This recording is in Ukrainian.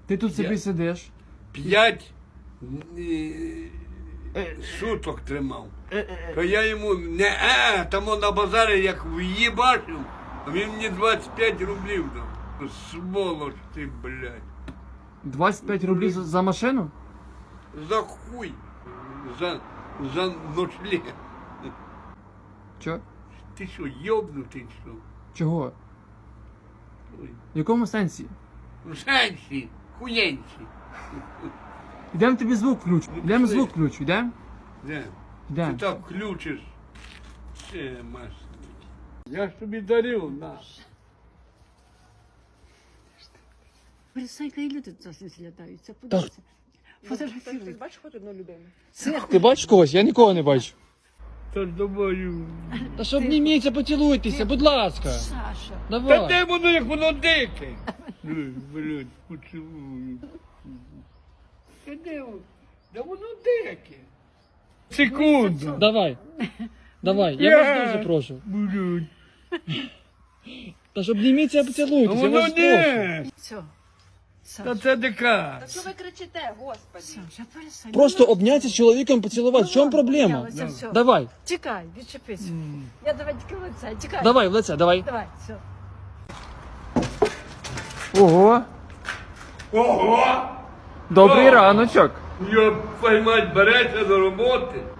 Ти тут собі сидиш. 5 суток тримав. То я йому там на базарі як в'їбашив, а він мені 25 рублів дав. Ну, сволоч ти, блядь. 25 рублів за машину? За хуй. За ночлег. Чо? Ти що, йобнутий що? Чого? Ой. В якому сенсі? В сенсі, хуєнці. Ідемо тобі звук включу. Ідемо звук включу, йдемо? Де? Ти Йдемо. так включиш. Ще масний. Я ж тобі дарив, на. Санька, і люди тут злітаються, подивися. Ти Фотографірують. бачиш хоч одну людину? Ти бачиш когось? Я нікого не бачу. Та ж думаю. Та що обніміться, поцілуйтеся, будь ласка. Саша. Та Давай. де воно, як воно дике? Блядь, поцілую. Та де воно? Да воно дике. Секунду. Давай. Давай, я вас дуже прошу. Блядь. Та ж обніміться, А поцілуйтеся, я воно вас прошу. не. Все. Та Саша. це дика. Та що ви кричите, господи? Саша, перестань. Просто обняться з чоловіком, поцілувати. В чому проблема? Обнялися, все. Давай, Тікай, відчепися. Я давай тільки лице, тікай. давай, в лице, давай. Давай, все. Ого, Ого! добрий О! раночок. Я поймать береться до роботи.